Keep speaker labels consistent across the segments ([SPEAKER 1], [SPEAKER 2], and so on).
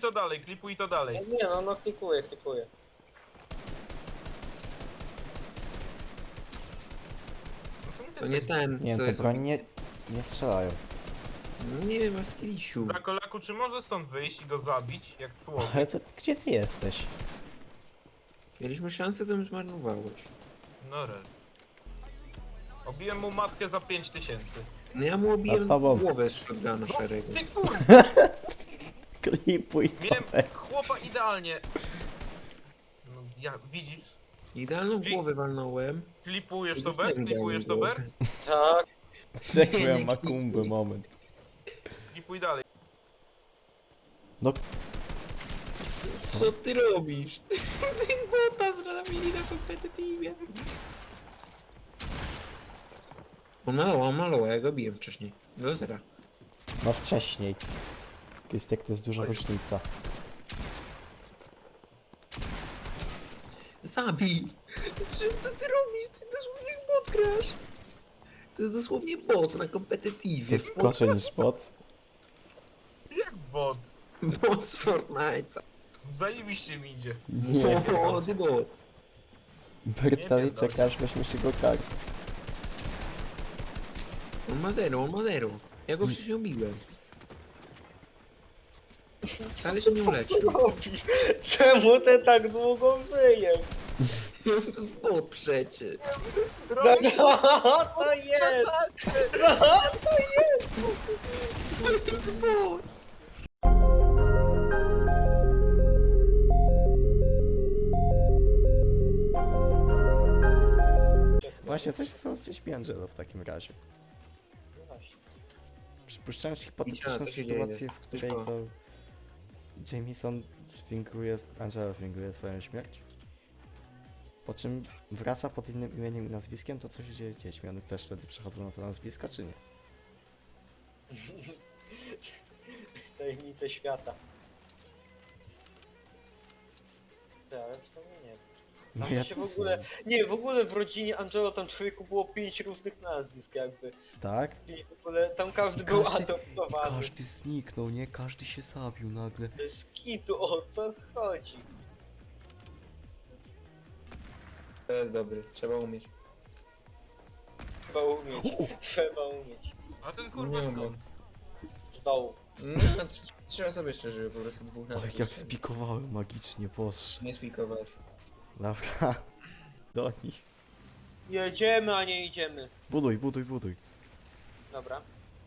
[SPEAKER 1] to dalej, klipuj to dalej.
[SPEAKER 2] Nie no, no klikuję.
[SPEAKER 1] No
[SPEAKER 3] To nie ten,
[SPEAKER 4] Nie wiem,
[SPEAKER 3] co
[SPEAKER 4] te
[SPEAKER 3] jest...
[SPEAKER 4] broń nie strzelają.
[SPEAKER 3] No nie wiem, masz skillisiu.
[SPEAKER 1] Drakolaku, czy możesz stąd wyjść i go zabić, jak człowiek?
[SPEAKER 4] Ale to gdzie ty jesteś?
[SPEAKER 3] Mieliśmy szansę, to ją zmarnowałeś.
[SPEAKER 1] No rel. Obiłem mu matkę za 5000.
[SPEAKER 3] No ja mu obiłem
[SPEAKER 4] Nad tobą.
[SPEAKER 3] głowę z shotguna
[SPEAKER 1] No
[SPEAKER 3] szarego.
[SPEAKER 1] ty kurwa!
[SPEAKER 4] Klipuj
[SPEAKER 1] Miałem
[SPEAKER 4] to.
[SPEAKER 1] chłopa idealnie. No ja, widzisz?
[SPEAKER 3] Idealną głowę walnąłem.
[SPEAKER 1] Klipujesz to
[SPEAKER 3] Dostałem
[SPEAKER 1] Ber? Klipujesz to
[SPEAKER 3] idealną
[SPEAKER 1] Ber?
[SPEAKER 2] Tak.
[SPEAKER 4] Czekaj, makumbę, moment.
[SPEAKER 1] Klipuj dalej.
[SPEAKER 4] No,
[SPEAKER 3] Co ty robisz? Ty bota zrobili na kompetytywie. On malował, ja go biłem wcześniej. Do zera.
[SPEAKER 4] no wcześniej. Jest jak to jest duża
[SPEAKER 1] Oj.
[SPEAKER 4] różnica.
[SPEAKER 3] Zabij! Co ty robisz? Ty dosłownie w bot grasz. To jest dosłownie bot na
[SPEAKER 4] To
[SPEAKER 3] kompetytywie.
[SPEAKER 4] jest gorsze niż bot.
[SPEAKER 1] Jak bot?
[SPEAKER 3] Bot z Fortnite'a.
[SPEAKER 1] Zajebiście mi idzie.
[SPEAKER 4] Nie.
[SPEAKER 3] O, ty bot.
[SPEAKER 4] Bertali
[SPEAKER 1] Nie pierdolcie.
[SPEAKER 4] czekasz, weźmy się go kar.
[SPEAKER 3] On ma zero. Ja go wcześniej obiłem. Ale się nie uleczył.
[SPEAKER 2] Robi. Czemu ten tak długo żyje?
[SPEAKER 3] To bot przecież.
[SPEAKER 2] No co to jest? Co to jest?
[SPEAKER 3] To jest bot.
[SPEAKER 4] Właśnie, coś są gdzieś Angelo w takim razie. Przypuszczając hipotetyczną
[SPEAKER 3] to się
[SPEAKER 4] sytuację,
[SPEAKER 3] dzieje.
[SPEAKER 4] w której
[SPEAKER 3] Wszystko.
[SPEAKER 4] to Jameson Angela finguje swoją śmierć. Po czym wraca pod innym imieniem i nazwiskiem, to co się dzieje z dziećmi? One też wtedy przechodzą na to nazwiska, czy nie?
[SPEAKER 2] Tajemnice świata. Ty, ale w sumie nie.
[SPEAKER 4] No
[SPEAKER 2] Tam
[SPEAKER 4] ja
[SPEAKER 2] się
[SPEAKER 4] to
[SPEAKER 2] w ogóle... Nie, w ogóle w rodzinie Angelo tam człowieku było 5 różnych nazwisk jakby.
[SPEAKER 4] Tak?
[SPEAKER 2] I w ogóle tam każdy był
[SPEAKER 4] Każdy-
[SPEAKER 2] adoptowany.
[SPEAKER 4] Każdy zniknął, nie? Każdy się zabił nagle.
[SPEAKER 2] Bez kitu, o co chodzi?
[SPEAKER 3] To jest dobry, trzeba umieć.
[SPEAKER 2] Trzeba umieć.
[SPEAKER 1] A ten kurwa
[SPEAKER 3] Nie
[SPEAKER 1] skąd?
[SPEAKER 2] Z dołu.
[SPEAKER 3] No, trzeba sobie szczerze, po prostu dwóch na
[SPEAKER 4] Ale jak spikowałem magicznie, boż.
[SPEAKER 3] Nie spikować.
[SPEAKER 4] Dobra. Do nich.
[SPEAKER 2] Jedziemy, a nie idziemy.
[SPEAKER 4] Buduj.
[SPEAKER 2] Dobra.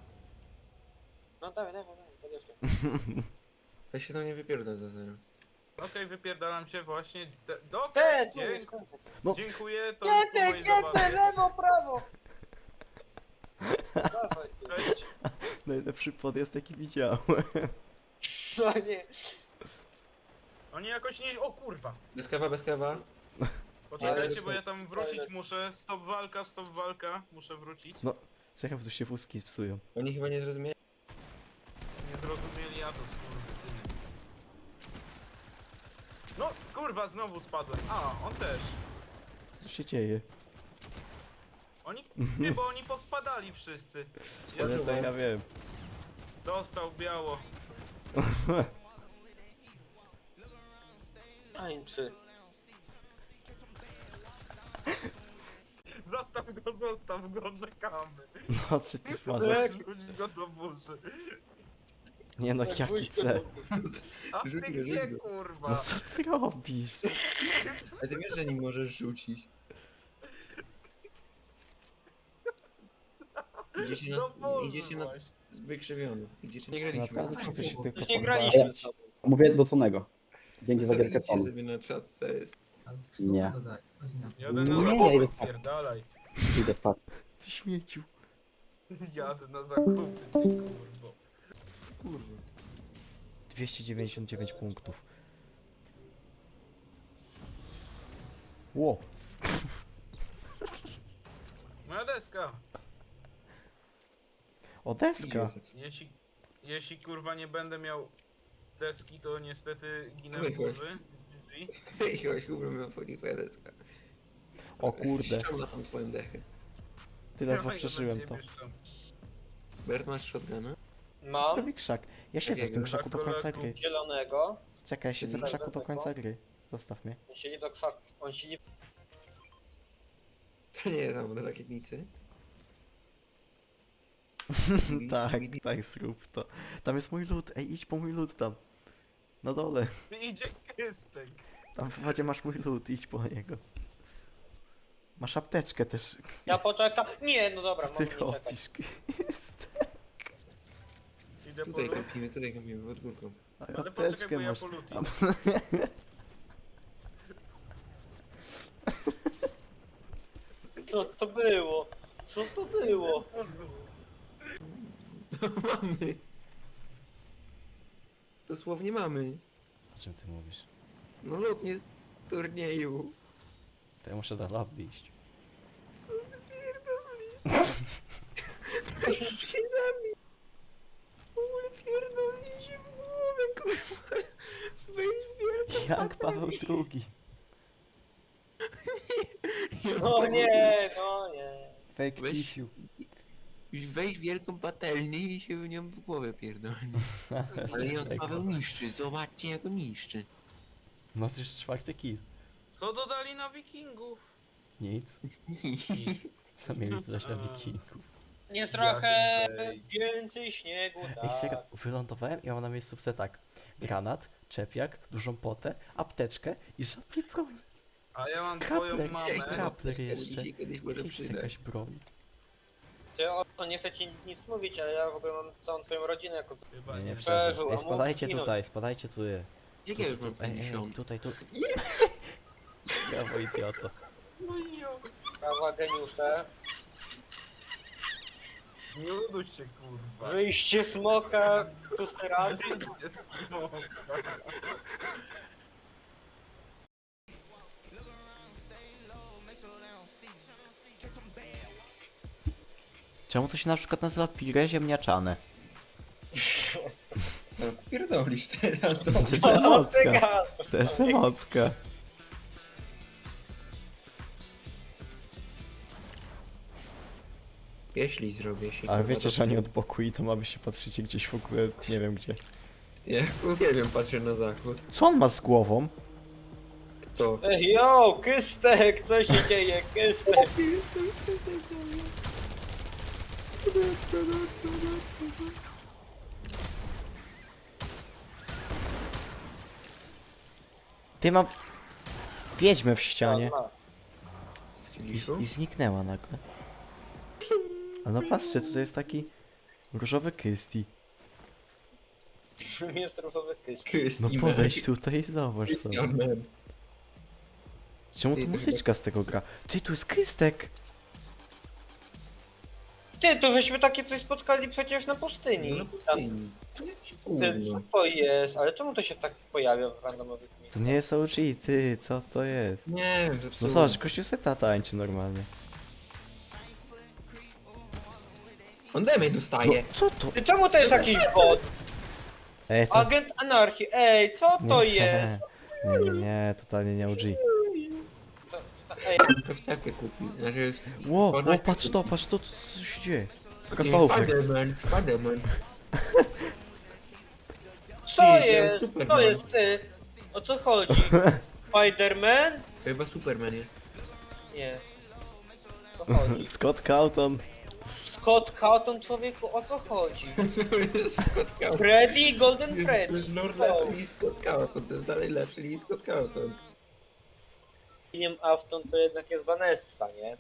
[SPEAKER 2] No dawaj, podjeżdżaj.
[SPEAKER 3] Ja się tam nie wypierdol za zero.
[SPEAKER 1] Okej, wypierdalam się właśnie.
[SPEAKER 2] Te, tu
[SPEAKER 1] Dziękuję.
[SPEAKER 2] jest końca.
[SPEAKER 4] No.
[SPEAKER 1] Dziękuję, to
[SPEAKER 2] Nie,
[SPEAKER 1] już po
[SPEAKER 2] ty,
[SPEAKER 1] mojej
[SPEAKER 2] nie, ty,
[SPEAKER 1] zabawie.
[SPEAKER 2] lewo, prawo! Dawaj ty.
[SPEAKER 1] Cześć.
[SPEAKER 4] Najlepszy podjazd jaki widziałem.
[SPEAKER 2] No nie.
[SPEAKER 1] Oni jakoś nie... O kurwa.
[SPEAKER 3] Bez kawa.
[SPEAKER 1] Poczekajcie,
[SPEAKER 3] Ale-
[SPEAKER 1] bo ja tam wrócić muszę. Stop walka. Muszę wrócić.
[SPEAKER 4] No. Czekam, bo tu się wózki psują.
[SPEAKER 3] Oni chyba nie zrozumieli.
[SPEAKER 1] Nie zrozumieli, ja to skurwysyny. No, kurwa, znowu spadłem. A, on też.
[SPEAKER 4] Co się dzieje?
[SPEAKER 1] Oni... Nie, bo oni pospadali wszyscy.
[SPEAKER 4] Ale
[SPEAKER 1] Jezu,
[SPEAKER 4] to ja wiem.
[SPEAKER 1] dostał biało.
[SPEAKER 2] Tańczy.
[SPEAKER 1] Zostaw go, czekamy.
[SPEAKER 4] No, czy ty uważasz?
[SPEAKER 1] Rzuć go do burzy.
[SPEAKER 4] Nie no,
[SPEAKER 2] Tak,
[SPEAKER 4] jaki
[SPEAKER 2] wójt go
[SPEAKER 4] C?
[SPEAKER 1] A ty
[SPEAKER 3] Rzuć go,
[SPEAKER 1] gdzie,
[SPEAKER 3] rzuć go.
[SPEAKER 1] kurwa?
[SPEAKER 4] No co ty robisz?
[SPEAKER 3] Ale ty wiesz, że nim możesz rzucić. Idziecie
[SPEAKER 1] Do
[SPEAKER 3] na...
[SPEAKER 1] burzy
[SPEAKER 3] Idziecie na...
[SPEAKER 1] właśnie.
[SPEAKER 3] Wykrzywiony. Idziecie... Nie graliśmy.
[SPEAKER 4] Naprawdę, czy to się tylko
[SPEAKER 2] Już nie
[SPEAKER 4] podoba?
[SPEAKER 2] graliśmy z tobą.
[SPEAKER 5] Mówię do Conego. Dzięki za gierkę
[SPEAKER 3] Idźcie
[SPEAKER 5] Tonu.
[SPEAKER 3] sobie na czat CS.
[SPEAKER 5] Nie.
[SPEAKER 1] Jadę
[SPEAKER 5] Nie,
[SPEAKER 1] na
[SPEAKER 5] ja
[SPEAKER 1] zakupy,
[SPEAKER 5] idę spać.
[SPEAKER 1] spierdalaj.
[SPEAKER 5] Idę spać.
[SPEAKER 4] Ty śmieciu.
[SPEAKER 1] Jadę na zakupy, ty kurwo.
[SPEAKER 3] Kurwa.
[SPEAKER 4] 299 punktów. Ło.
[SPEAKER 1] Moja deska.
[SPEAKER 4] O, deska.
[SPEAKER 1] Jeśli kurwa nie będę miał deski, to niestety ginę w
[SPEAKER 3] Wychodź.
[SPEAKER 1] burzy. GG.
[SPEAKER 3] Hej, chodź, kurwa, miał wchodzić twoja deska.
[SPEAKER 4] O kurde.
[SPEAKER 3] Ściągnę tam twoją dechę.
[SPEAKER 4] Tyle
[SPEAKER 1] Dawaj,
[SPEAKER 4] przeżyłem
[SPEAKER 1] do
[SPEAKER 4] to.
[SPEAKER 1] ciebie szczam.
[SPEAKER 3] Bert, masz shotguna?
[SPEAKER 2] Mam
[SPEAKER 4] Robi krzak. Ja siedzę w
[SPEAKER 3] Jakiego?
[SPEAKER 4] tym krzaku do końca gry.
[SPEAKER 2] zielonego.
[SPEAKER 4] Czekaj, ja siedzę w
[SPEAKER 2] Czerwonego.
[SPEAKER 4] krzaku do końca gry. Zostaw mnie.
[SPEAKER 2] On siedzi do krzaku. On siedzi...
[SPEAKER 3] To nie jest tam do rakietnicy.
[SPEAKER 4] Tak, tak, zrób to. Tam jest mój lód, ej, idź po mój lód tam. Na dole.
[SPEAKER 1] Idzie Krystek.
[SPEAKER 4] Tam w wodzie masz mój lód, idź po niego. Masz apteczkę też.
[SPEAKER 2] Ja poczekam. Nie, no dobra,
[SPEAKER 4] Co ty
[SPEAKER 2] mogę nie czekać.
[SPEAKER 4] robisz? Jest.
[SPEAKER 1] Idę po
[SPEAKER 3] Tutaj
[SPEAKER 1] lód.
[SPEAKER 3] kampimy, pod górką.
[SPEAKER 1] Ale poczekaj,
[SPEAKER 4] Apteczkę
[SPEAKER 1] bo ja
[SPEAKER 4] masz.
[SPEAKER 1] po lód
[SPEAKER 4] A-
[SPEAKER 1] idę.
[SPEAKER 2] Co to było? Co to było?
[SPEAKER 3] No mamy. Dosłownie mamy.
[SPEAKER 4] O czym ty mówisz?
[SPEAKER 3] No lotnie z turnieju.
[SPEAKER 4] To ja muszę do lobby iść.
[SPEAKER 3] Co ty pierdolisz? się zabił. W ogóle pierdolnie się w głowę, kurwa. Weź wielką
[SPEAKER 4] Jak Paweł II.
[SPEAKER 2] No nie, no nie.
[SPEAKER 4] Fake
[SPEAKER 3] Weź-
[SPEAKER 4] tissue.
[SPEAKER 3] Weź wielką patelnię i się nią w głowę pierdolnie. Ale ją
[SPEAKER 4] Czego?
[SPEAKER 3] Paweł niszczy, zobaczcie jak go niszczy.
[SPEAKER 4] No to już 4 kill.
[SPEAKER 1] Co dodali na wikingów?
[SPEAKER 4] Nic. Co mieli dodać na wikingów?
[SPEAKER 2] Jest trochę
[SPEAKER 1] bait.
[SPEAKER 2] więcej śniegu,
[SPEAKER 4] Ej, serio,
[SPEAKER 2] tak.
[SPEAKER 4] wylądowałem i mam na miejscówce tak. Granat, czepiak, dużą potę, apteczkę i żadnej broni.
[SPEAKER 1] A ja mam
[SPEAKER 4] Kapler,
[SPEAKER 1] twoją mamę.
[SPEAKER 4] kapler jeszcze.
[SPEAKER 3] Dzisiaj kiedyś może
[SPEAKER 4] Gdzie jest
[SPEAKER 3] przydać.
[SPEAKER 4] jakaś broń?
[SPEAKER 2] Ty o to nie chcę ci nic mówić, ale ja w ogóle mam całą twoją rodzinę jako...
[SPEAKER 1] Chyba
[SPEAKER 4] Nie, nie
[SPEAKER 1] nie.
[SPEAKER 4] przeżył.
[SPEAKER 2] przeżył,
[SPEAKER 4] Ej,
[SPEAKER 2] a mógł
[SPEAKER 4] spadajcie
[SPEAKER 2] zginąć.
[SPEAKER 4] tutaj, spadajcie tu.
[SPEAKER 3] Jak ja już mam
[SPEAKER 4] Ej,
[SPEAKER 3] 50?
[SPEAKER 4] tutaj, tu. Brawo, idioto.
[SPEAKER 2] Prawa geniusze.
[SPEAKER 1] Nie uduś się kurwa.
[SPEAKER 2] Wyjście smoka, szósty raz.
[SPEAKER 1] No.
[SPEAKER 4] Czemu to się na przykład nazywa pire ziemniaczane?
[SPEAKER 3] Co pierdolisz teraz?
[SPEAKER 4] To jest
[SPEAKER 2] O, ty
[SPEAKER 4] emotka.
[SPEAKER 2] gadasz.
[SPEAKER 4] To jest emotka.
[SPEAKER 3] Jeśli zrobię się.
[SPEAKER 4] Ale
[SPEAKER 3] kurwa,
[SPEAKER 4] wiecie,
[SPEAKER 3] to-
[SPEAKER 4] że oni od boku i to mamy się patrzycie gdzieś w ogóle, nie wiem gdzie.
[SPEAKER 3] Ja uwielbiam, patrzę na zachód.
[SPEAKER 4] Co on ma z głową?
[SPEAKER 3] Kto?
[SPEAKER 2] Ej, yo, Kystek, co się dzieje, Kystek?
[SPEAKER 4] Ty mam wiedźmę w ścianie
[SPEAKER 3] Z kiliszu?
[SPEAKER 4] i zniknęła nagle. A no patrzcie, tutaj jest taki różowy Kisti.
[SPEAKER 2] Czym jest różowy Kystek?
[SPEAKER 3] Kyst
[SPEAKER 4] No
[SPEAKER 3] i
[SPEAKER 4] podejdź
[SPEAKER 3] mech.
[SPEAKER 4] tutaj i zobacz
[SPEAKER 3] Kyst
[SPEAKER 4] sobie.
[SPEAKER 3] i man.
[SPEAKER 4] Czemu
[SPEAKER 3] Ty,
[SPEAKER 4] tu
[SPEAKER 3] to
[SPEAKER 4] muzyczka z tego gra? Ty, tu jest Krystek!
[SPEAKER 2] Ty, to żeśmy takie coś spotkali przecież na
[SPEAKER 3] No
[SPEAKER 2] pustyni.
[SPEAKER 3] na pustyni. To jest jakieś
[SPEAKER 2] Ty, co
[SPEAKER 3] gówno.
[SPEAKER 2] to jest? Ale czemu to się tak pojawia w randomowych
[SPEAKER 4] To
[SPEAKER 2] miejscach?
[SPEAKER 4] nie jest OG, ty, co to jest?
[SPEAKER 3] Nie,
[SPEAKER 4] No
[SPEAKER 3] zepsułem.
[SPEAKER 4] zobacz, kościół seta tańczy normalnie.
[SPEAKER 3] On damage
[SPEAKER 4] No,
[SPEAKER 3] dostaje.
[SPEAKER 4] co to?
[SPEAKER 2] Ty, czemu to jest jakiś bot?
[SPEAKER 4] Ej, to...
[SPEAKER 2] Agent anarchii, ej, co to jest?
[SPEAKER 4] Nie, totalnie nie OG.
[SPEAKER 2] Ej,
[SPEAKER 3] Ktoś takie kupi. Znaczy,
[SPEAKER 4] Ło,
[SPEAKER 3] Ona-
[SPEAKER 4] patrz to, co się dzieje?
[SPEAKER 3] nie,
[SPEAKER 4] Crossover.
[SPEAKER 3] Spiderman, Spiderman.
[SPEAKER 2] co
[SPEAKER 3] Ty,
[SPEAKER 2] jest?
[SPEAKER 3] Superman.
[SPEAKER 2] Co jest ty? O co chodzi? Spiderman?
[SPEAKER 3] Chyba Superman jest.
[SPEAKER 2] Nie. O co chodzi?
[SPEAKER 4] Scott Calton.
[SPEAKER 2] Scott Cawthon, człowieku, o co chodzi?
[SPEAKER 3] Scott Cawthon.
[SPEAKER 2] Freddy, Golden
[SPEAKER 3] Jest
[SPEAKER 2] Freddy.
[SPEAKER 3] Lord
[SPEAKER 2] O,
[SPEAKER 3] lepszy niż Scott Cawthon. To jest dalej lepszy niż Scott Cawthon.
[SPEAKER 2] William Afton to jednak jest Vanessa, nie?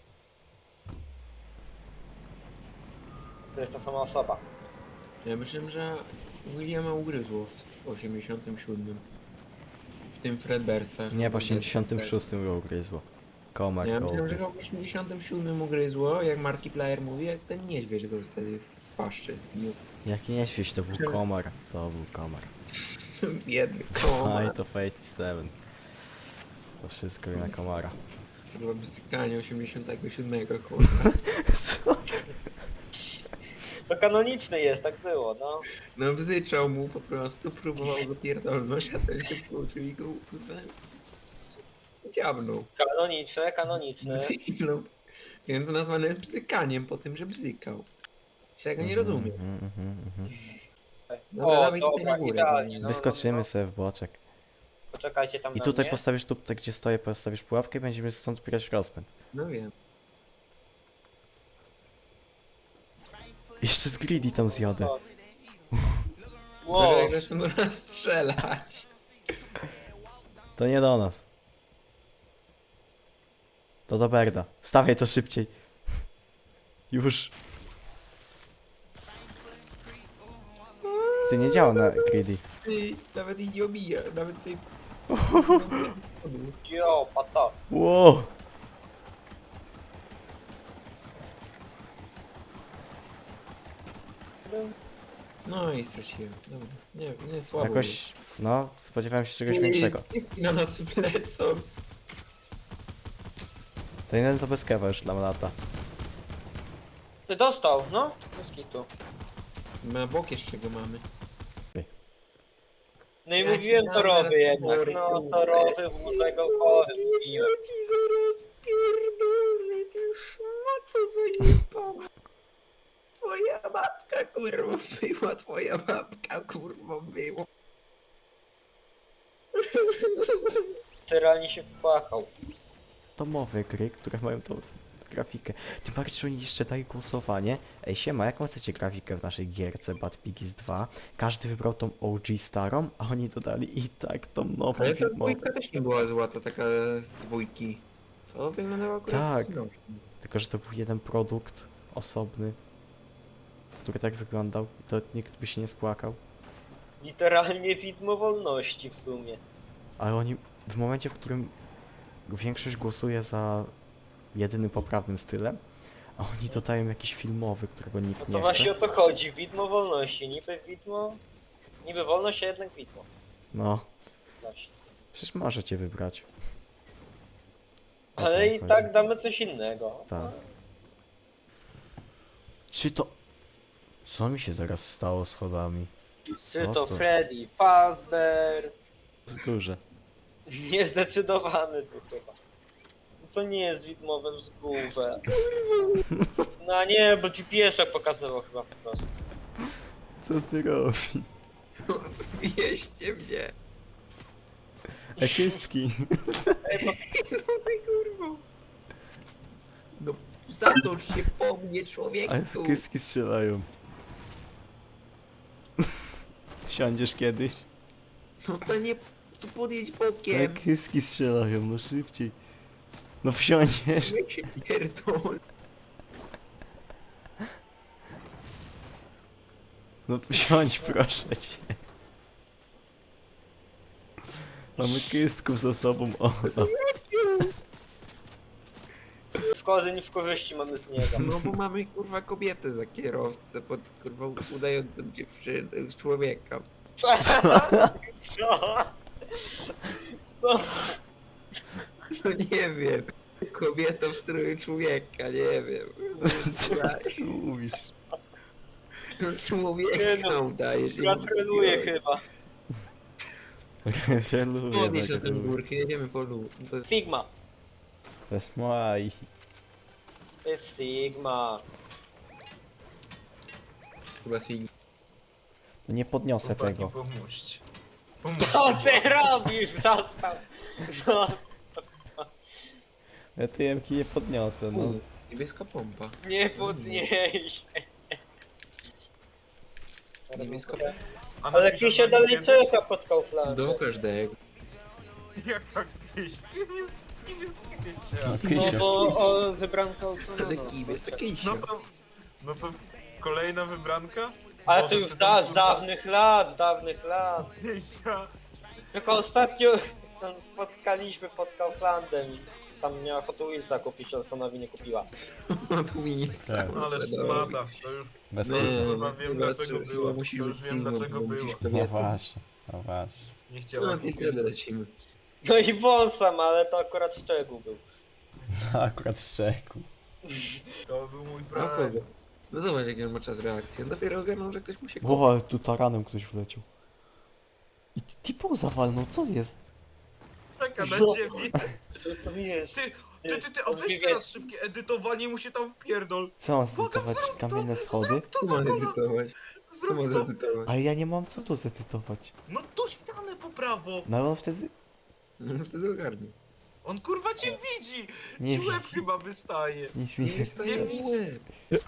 [SPEAKER 2] To jest ta sama osoba.
[SPEAKER 3] Ja myślałem, że Williama ugryzło w 87. W tym Fredbearsach.
[SPEAKER 4] Nie, w 86 go ugryzło. Komar
[SPEAKER 3] Ja
[SPEAKER 4] go
[SPEAKER 3] myślałem, że
[SPEAKER 4] ugryzł.
[SPEAKER 3] go w 87 ugryzło, jak Markiplier mówi, jak ten niedźwiedź go wtedy w paszczy zgniótł.
[SPEAKER 4] Jaki niedźwiedź, to był komar. To był komar.
[SPEAKER 3] Biedny
[SPEAKER 4] Fight
[SPEAKER 3] komar.
[SPEAKER 4] of 87. To wszystko na komara.
[SPEAKER 3] To było bzykanie 87, kurwa.
[SPEAKER 4] Co?
[SPEAKER 2] To kanoniczne jest, tak było, no.
[SPEAKER 3] No bzyczał mu po prostu, próbował go pierdolnąć, a ten się wkluczył i go kurwa dziabnął.
[SPEAKER 2] Kanoniczne, kanoniczne.
[SPEAKER 3] No, więc nazwane jest bzykaniem po tym, że bzykał. Czego nie rozumiem. Dobra,
[SPEAKER 2] O,
[SPEAKER 3] dawaj tutaj
[SPEAKER 2] dobra,
[SPEAKER 3] na górę.
[SPEAKER 2] idealnie, no.
[SPEAKER 4] Wyskoczymy sobie w boczek.
[SPEAKER 2] Poczekajcie tam
[SPEAKER 4] I
[SPEAKER 2] na
[SPEAKER 4] tutaj
[SPEAKER 2] mnie.
[SPEAKER 4] postawisz tu, tak gdzie stoję, postawisz pułapkę i będziemy stąd brać rozpęd.
[SPEAKER 3] No wiem.
[SPEAKER 4] Jeszcze z greedy tam zjadę.
[SPEAKER 2] Wow,
[SPEAKER 3] Jak zaczną do nas strzelać.
[SPEAKER 4] To nie do nas. To do Berda. Stawiaj to szybciej. Już. Ty nie działa na greedy.
[SPEAKER 3] Ty, nawet i nie obija, nawet tej...
[SPEAKER 2] jo, pata.
[SPEAKER 4] Wow.
[SPEAKER 3] No i straciłem. Dobra, nie słabo.
[SPEAKER 4] Jakoś, no, spodziewałem się czegoś
[SPEAKER 3] było.
[SPEAKER 4] większego.
[SPEAKER 3] Na nas lecą.
[SPEAKER 4] To jeden to bez kewa już nam lata.
[SPEAKER 2] Ty dostał, no? Bez kitu.
[SPEAKER 3] Na bok jeszcze go mamy.
[SPEAKER 2] No i
[SPEAKER 3] Ja
[SPEAKER 2] mówiłem
[SPEAKER 3] ci dam
[SPEAKER 2] torowy
[SPEAKER 3] teraz
[SPEAKER 2] jednak,
[SPEAKER 3] pory,
[SPEAKER 2] no
[SPEAKER 3] kurde.
[SPEAKER 2] torowy wózego chory mówiłem.
[SPEAKER 3] Ja ci zaraz pierdolę, ty już ma to zajebała. Twoja matka kurwa była, twoja babka kurwa była.
[SPEAKER 2] Realnie się wpłakał.
[SPEAKER 4] Domowe gry, które mają tą grafikę. Tym bardziej, że oni jeszcze dają głosowanie. Ej, siema, jaką chcecie grafikę w naszej gierce Bad Piggies 2? Każdy wybrał tą OG starą, a oni dodali i tak tą nową
[SPEAKER 3] Ale ta
[SPEAKER 4] filmową.
[SPEAKER 3] dwójka też nie była zła, to taka z dwójki. Co wyglądało akurat
[SPEAKER 4] Tak.
[SPEAKER 3] znośnie.
[SPEAKER 4] Tylko, że to był jeden produkt osobny, który tak wyglądał. To nikt by się nie spłakał.
[SPEAKER 2] Literalnie widmo wolności w sumie.
[SPEAKER 4] Ale oni w momencie, w którym większość głosuje za jedynym poprawnym stylem, a oni dodają jakiś filmowy, którego
[SPEAKER 2] No
[SPEAKER 4] nikt
[SPEAKER 2] to
[SPEAKER 4] nie
[SPEAKER 2] właśnie
[SPEAKER 4] chce.
[SPEAKER 2] o to chodzi, widmo wolności. Niby widmo... Niby wolność, a jednak widmo.
[SPEAKER 4] No,
[SPEAKER 2] Właśnie.
[SPEAKER 4] przecież możecie wybrać. O co
[SPEAKER 2] Ale
[SPEAKER 4] wam
[SPEAKER 2] i
[SPEAKER 4] chodzi?
[SPEAKER 2] tak damy coś innego.
[SPEAKER 4] Tak. Czy to... Co mi się teraz stało z schodami?
[SPEAKER 2] Czy
[SPEAKER 4] Co
[SPEAKER 2] to Freddy Fazbear?
[SPEAKER 4] Wzgórze.
[SPEAKER 2] Niezdecydowany tu chyba. No to nie jest widmowe wzgórze. No nie, bo GPS tak pokazywał chyba po prostu.
[SPEAKER 4] Co ty robisz?
[SPEAKER 3] Wieście mnie.
[SPEAKER 4] Ekistki.
[SPEAKER 3] No ty kurwa. No zatocz się po mnie człowieku.
[SPEAKER 4] Ale ekistki strzelają. Siądziesz kiedyś?
[SPEAKER 3] No to nie, to podjedź bokiem.
[SPEAKER 4] Ekistki strzelają, no szybciej. No wsiądziesz.
[SPEAKER 3] Ja się pierdolę.
[SPEAKER 4] No wsiądź proszę cię. Mamy kystków za sobą, o.
[SPEAKER 2] W korzeń w korzyści mamy z niego.
[SPEAKER 3] No bo mamy kurwa kobietę za kierowcę pod kurwa udającą dziewczynę z człowieka.
[SPEAKER 2] Co? Co?
[SPEAKER 3] No nie wiem. Kobieta w stroju człowieka, nie wiem.
[SPEAKER 4] Co ty mówisz?
[SPEAKER 3] No,
[SPEAKER 2] Nie
[SPEAKER 3] człowieka
[SPEAKER 2] no,
[SPEAKER 3] udajesz.
[SPEAKER 2] gratuluję chyba.
[SPEAKER 4] Reluję
[SPEAKER 3] Podnieś na
[SPEAKER 4] tak
[SPEAKER 3] tę
[SPEAKER 4] lubię.
[SPEAKER 3] górkę, jedziemy po lu. To jest
[SPEAKER 2] Sigma.
[SPEAKER 4] To jest maj.
[SPEAKER 2] To jest Sigma.
[SPEAKER 3] chyba Sig.
[SPEAKER 4] No nie podniosę
[SPEAKER 1] Chłopaki,
[SPEAKER 4] tego.
[SPEAKER 1] pomóżcie.
[SPEAKER 2] Co
[SPEAKER 1] Pomóżcie.
[SPEAKER 2] ty robisz? Zostaw. Zostaw.
[SPEAKER 4] Ja TM-ki nie podniosę, no.
[SPEAKER 3] Niebieska pompa.
[SPEAKER 2] Nie podnieś.
[SPEAKER 3] Niebieska
[SPEAKER 1] A
[SPEAKER 2] Ale
[SPEAKER 1] napiszesz
[SPEAKER 2] Kisia
[SPEAKER 1] na
[SPEAKER 2] dalej
[SPEAKER 1] nim
[SPEAKER 2] czeka pod Kauflandem.
[SPEAKER 3] Do każdego.
[SPEAKER 1] Jak tak gdzieś?
[SPEAKER 4] No,
[SPEAKER 2] No
[SPEAKER 4] Kysia.
[SPEAKER 2] bo o, wybranka
[SPEAKER 3] Ale
[SPEAKER 2] usunęła.
[SPEAKER 3] kim jest taki
[SPEAKER 1] No to kolejna wybranka?
[SPEAKER 2] Ale
[SPEAKER 1] Może
[SPEAKER 2] to już
[SPEAKER 1] przy tym,
[SPEAKER 2] da, z
[SPEAKER 1] kurwa,
[SPEAKER 2] dawnych lat, z dawnych lat.
[SPEAKER 1] Kieśka.
[SPEAKER 2] Tylko ostatnio tam spotkaliśmy pod Kauflandem i tam miała Hot Wheelsa kupić, a Sonowi nie kupiła.
[SPEAKER 3] No tu mi nic.
[SPEAKER 4] Tak.
[SPEAKER 1] Ale szmata, to już
[SPEAKER 4] Bez
[SPEAKER 3] Nie,
[SPEAKER 4] kitu.
[SPEAKER 1] kurwa wiem dlaczego było.
[SPEAKER 3] Musi
[SPEAKER 1] To już
[SPEAKER 3] być
[SPEAKER 1] wiem
[SPEAKER 3] Sigma,
[SPEAKER 1] dlaczego
[SPEAKER 3] bo
[SPEAKER 1] było.
[SPEAKER 3] musisz
[SPEAKER 4] No
[SPEAKER 3] kobietę.
[SPEAKER 4] właśnie, no właśnie.
[SPEAKER 1] Nie
[SPEAKER 3] No
[SPEAKER 1] chciała
[SPEAKER 3] ty
[SPEAKER 1] kupić.
[SPEAKER 3] wtedy lecimy.
[SPEAKER 2] No i wąsam, ale to akurat szczegół był.
[SPEAKER 4] No akurat szczekł.
[SPEAKER 1] To był mój
[SPEAKER 3] A
[SPEAKER 1] brat.
[SPEAKER 3] kogo? No zobacz jaki on ma czas reakcji. On dopiero ogarnął, że ktoś mu się
[SPEAKER 4] Ło, ale tu taranem ktoś wleciał. I typu zawalnął, co jest?
[SPEAKER 1] Czeka na
[SPEAKER 2] No.
[SPEAKER 1] ciebie.
[SPEAKER 2] Co to jest?
[SPEAKER 1] Ty, a weź teraz szybkie edytowanie mu się tam wpierdol.
[SPEAKER 4] Co mam zedytować? Kamienne schody?
[SPEAKER 1] Zrób to
[SPEAKER 3] Tu
[SPEAKER 1] za
[SPEAKER 3] ma
[SPEAKER 1] kolor.
[SPEAKER 3] edytować. Co może
[SPEAKER 1] Zrób to.
[SPEAKER 3] edytować?
[SPEAKER 4] Ale ja nie mam co tu zedytować.
[SPEAKER 1] No tu ścianę po prawo.
[SPEAKER 4] No ale on wtedy
[SPEAKER 3] No wtedy ogarnie.
[SPEAKER 1] On kurwa cię widzi.
[SPEAKER 4] Nie
[SPEAKER 1] Ci łeb
[SPEAKER 4] widzi.
[SPEAKER 1] chyba wystaje.
[SPEAKER 4] nic mi
[SPEAKER 3] Nie
[SPEAKER 4] nie...
[SPEAKER 3] jest to
[SPEAKER 1] Nie
[SPEAKER 3] nie
[SPEAKER 1] widzi.
[SPEAKER 3] łeb.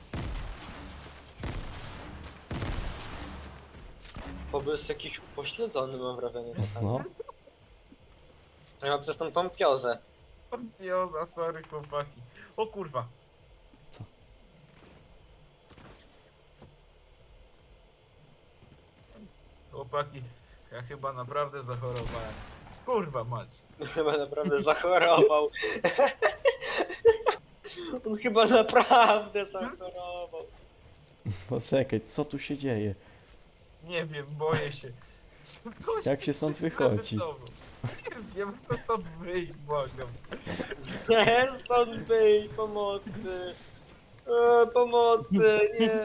[SPEAKER 2] Bo jest jakiś upośledzony, mam wrażenie.
[SPEAKER 4] No.
[SPEAKER 2] Ja przez tą pompiozę.
[SPEAKER 1] Joza, sorry chłopaki. O kurwa.
[SPEAKER 4] Co?
[SPEAKER 1] Chłopaki, ja chyba naprawdę zachorowałem. Kurwa mać.
[SPEAKER 2] Chyba naprawdę zachorował. On chyba naprawdę zachorował.
[SPEAKER 4] Poczekaj, co tu się dzieje?
[SPEAKER 1] Nie wiem, boję się. Coś
[SPEAKER 4] Jak się stąd wychodzi?
[SPEAKER 1] Nie wiem, kto stąd wyjść, błagam.
[SPEAKER 2] Nie, stąd wyjść, pomocy. Pomocy, nie.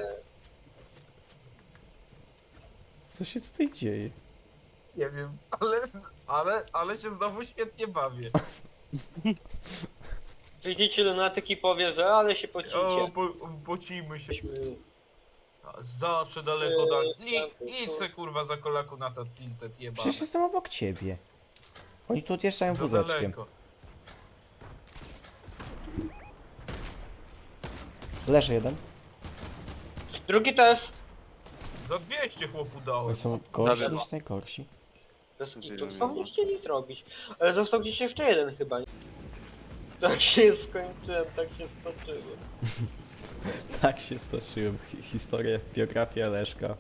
[SPEAKER 4] Co się tutaj dzieje?
[SPEAKER 1] Nie wiem, ale się znowu świetnie bawię.
[SPEAKER 2] Przyjdziecie lunatyk i powie, że ale się
[SPEAKER 1] O,
[SPEAKER 2] pocicie.
[SPEAKER 1] pocimy się. Zawsze daleko tak. Idź se kurwa za kolaku na to tilted jebane.
[SPEAKER 4] Przecież jestem obok ciebie. Oni tu odjeżdżają
[SPEAKER 1] Za
[SPEAKER 4] wózeczkiem.
[SPEAKER 1] daleko.
[SPEAKER 4] Leży jeden.
[SPEAKER 2] Drugi też.
[SPEAKER 1] Za 200 chłopu
[SPEAKER 4] Oni
[SPEAKER 1] dałem.
[SPEAKER 4] są gorsi
[SPEAKER 2] Dobra.
[SPEAKER 4] niż najgorsi.
[SPEAKER 2] Bez kitu, co nie chcieli zrobić? Ale został gdzieś jeszcze jeden chyba. Tak się skończyłem, tak się stoczyłem.
[SPEAKER 4] Tak się stoczyłem. Historię, biografię Leszka.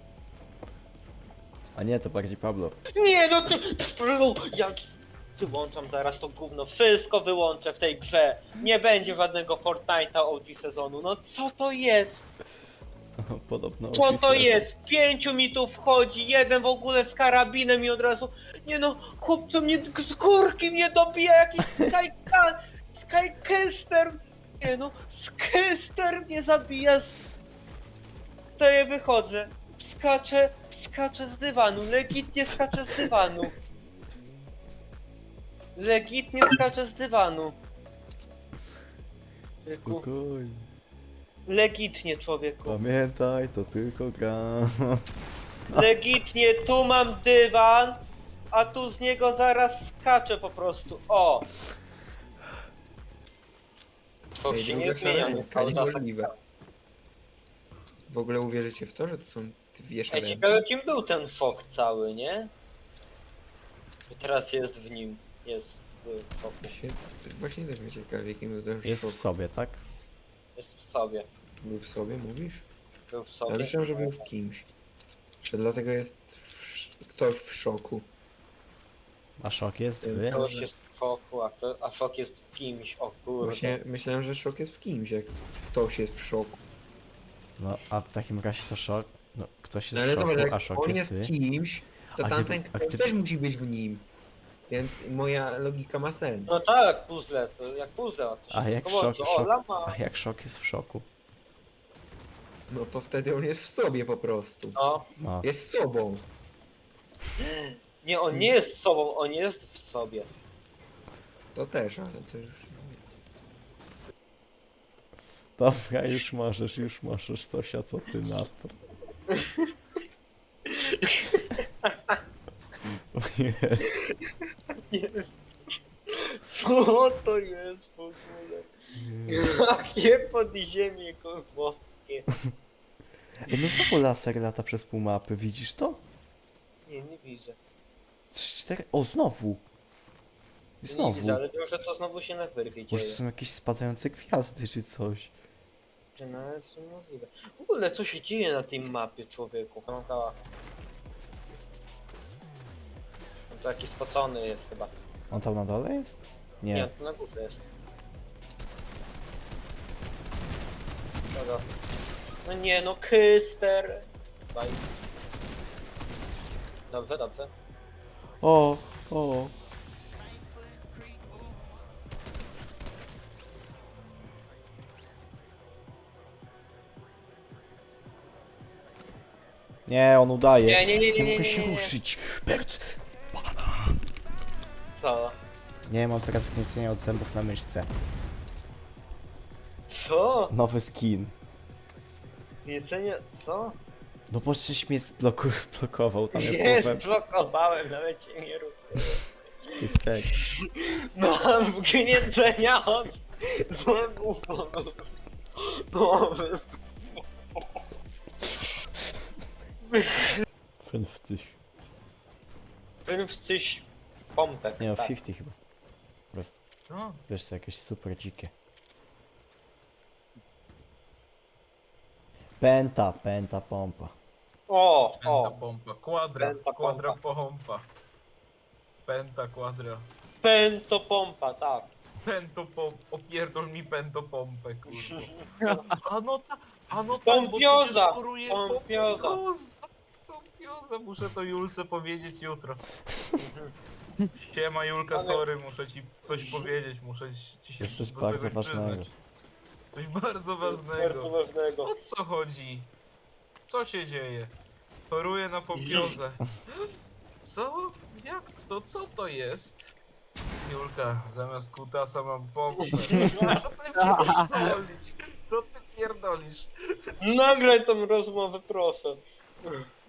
[SPEAKER 4] A nie, to bardziej Pablo.
[SPEAKER 2] Nie no ty... Ja wyłączam zaraz to gówno. Wszystko wyłączę w tej grze. Nie będzie żadnego Fortnite'a OG sezonu. No co to jest?
[SPEAKER 4] Podobno.
[SPEAKER 2] Co to
[SPEAKER 4] opisy-
[SPEAKER 2] jest? 5 mi tu wchodzi, jeden w ogóle z karabinem i od razu... Nie no, chłopco mnie z górki mnie dobija jakiś Skycaster. Nie no, Skycaster mnie zabija To ja wychodzę. Skaczę z dywanu, legitnie skaczę z dywanu. Legitnie skaczę z dywanu. Człowieku,
[SPEAKER 4] Spokojnie.
[SPEAKER 2] legitnie człowieku.
[SPEAKER 4] Pamiętaj, to tylko gra.
[SPEAKER 2] Legitnie, tu mam dywan, a tu z niego zaraz skaczę po prostu. O! To się nie zmienia, no, cały czas tak.
[SPEAKER 3] niemożliwe. W ogóle uwierzycie w to, że tu są dwie
[SPEAKER 2] Ej,
[SPEAKER 3] szare?
[SPEAKER 2] ciekawe kim był ten szok cały, nie? Że teraz jest w nim. Jest w szoku.
[SPEAKER 3] Właśnie też mnie ciekawi, jakim był ten
[SPEAKER 4] Jest
[SPEAKER 3] szok.
[SPEAKER 4] w sobie, tak?
[SPEAKER 2] Jest w sobie.
[SPEAKER 3] Był w sobie, mówisz?
[SPEAKER 2] Był w
[SPEAKER 3] Ja
[SPEAKER 2] sobie.
[SPEAKER 3] myślałem, że był w kimś. Że dlatego jest ktoś w szoku.
[SPEAKER 4] A szok jest wy?
[SPEAKER 2] Ktoś jest w szoku, a szok jest w kimś, o kurde.
[SPEAKER 3] Właśnie myślałem, że szok jest w kimś, jak ktoś jest w szoku.
[SPEAKER 4] No, a w takim razie to szok. No, ktoś jest
[SPEAKER 3] No ale
[SPEAKER 4] w szoku,
[SPEAKER 3] zobacz,
[SPEAKER 4] a
[SPEAKER 3] jak
[SPEAKER 4] szok
[SPEAKER 3] on
[SPEAKER 4] jest
[SPEAKER 3] jest
[SPEAKER 4] wy.
[SPEAKER 3] kimś, to
[SPEAKER 4] A
[SPEAKER 3] tamten
[SPEAKER 4] gdyby- a
[SPEAKER 3] ktoś
[SPEAKER 4] gdyby-
[SPEAKER 3] też musi być w nim. Więc moja logika ma sens.
[SPEAKER 2] No tak, puzzle, to jak puzzle, to się
[SPEAKER 4] A jak
[SPEAKER 2] wszystko łączy.
[SPEAKER 4] szok-
[SPEAKER 2] O, lama!
[SPEAKER 4] A jak szok jest w szoku?
[SPEAKER 3] No to wtedy on jest w sobie po prostu.
[SPEAKER 2] No.
[SPEAKER 4] No,
[SPEAKER 3] Jest sobą.
[SPEAKER 2] Nie, on nie jest sobą, on jest w sobie.
[SPEAKER 3] To też, ale to już...
[SPEAKER 4] dobra, już możesz coś, a co ty na to? O jest.
[SPEAKER 2] Jest. Co to jest w ogóle? Jakie podziemie kozłowskie.
[SPEAKER 4] Ej, no znowu laser lata przez pół mapy, widzisz to?
[SPEAKER 2] Nie widzę.
[SPEAKER 4] 3-4... O, znowu! I
[SPEAKER 2] Nie
[SPEAKER 4] znowu.
[SPEAKER 2] widzę, ale wiem, że to znowu się na wyrwie
[SPEAKER 4] Może
[SPEAKER 2] dzieje.
[SPEAKER 4] to są jakieś spadające gwiazdy czy coś.
[SPEAKER 2] No, ale co możliwe. W ogóle co się dzieje na tej mapie, człowieku? Pamiętała. On taki spocony jest chyba.
[SPEAKER 4] On tam na dole jest?
[SPEAKER 2] Nie,
[SPEAKER 4] Nie.
[SPEAKER 2] to na górze jest. Dobra. No nie, no Kyster. Bye. Dobrze, dobrze.
[SPEAKER 4] O, o. Nie, on udaje.
[SPEAKER 2] Nie
[SPEAKER 4] Nie mogę się ruszyć. Bert!
[SPEAKER 2] Co?
[SPEAKER 4] Nie, mam teraz wniesienie od zębów na myszce.
[SPEAKER 2] Co?
[SPEAKER 4] Nowy skin.
[SPEAKER 2] Jedzenie, co?
[SPEAKER 4] No bo żeś mnie zblokował tam jak
[SPEAKER 2] Nie,
[SPEAKER 4] połowę.
[SPEAKER 2] zblokowałem, nawet cię nie rób.
[SPEAKER 4] Jest tak.
[SPEAKER 2] Mam gnięcenia od złego. No,
[SPEAKER 4] 50.
[SPEAKER 2] 50 pompek.
[SPEAKER 4] Nie no,
[SPEAKER 2] tak.
[SPEAKER 4] 50 chyba.
[SPEAKER 1] No,
[SPEAKER 4] Wiesz, to jakieś super dzikie. Penta pompa.
[SPEAKER 2] O,
[SPEAKER 1] penta
[SPEAKER 2] o,
[SPEAKER 1] pompa, kwadra,
[SPEAKER 2] Penta
[SPEAKER 1] kwadra pompa. Penta, kwadra.
[SPEAKER 2] pento pompa, tak.
[SPEAKER 1] Pento pompa, opierdol mi pento pompę, kurwa. A no tak, bo
[SPEAKER 2] Pompioza,
[SPEAKER 1] przecież choruje
[SPEAKER 2] pompioza.
[SPEAKER 1] Pompioza, muszę to Julce powiedzieć jutro. Siema Julka,
[SPEAKER 2] Ale-
[SPEAKER 1] sorry, muszę ci coś powiedzieć, muszę ci się
[SPEAKER 4] Jest coś
[SPEAKER 1] do
[SPEAKER 4] bardzo
[SPEAKER 1] czegoś
[SPEAKER 4] ważnego.
[SPEAKER 1] przyznać. Coś bardzo
[SPEAKER 2] Bardzo
[SPEAKER 1] ważnego.
[SPEAKER 2] ważnego.
[SPEAKER 1] O co chodzi? Co się dzieje? Choruję na pompiozę. Co? Jak to? Co to jest? Julka, zamiast kutasa mam pompę. Co ty pierdolisz? Co ty pierdolisz?
[SPEAKER 2] Nagraj tą rozmowę, proszę.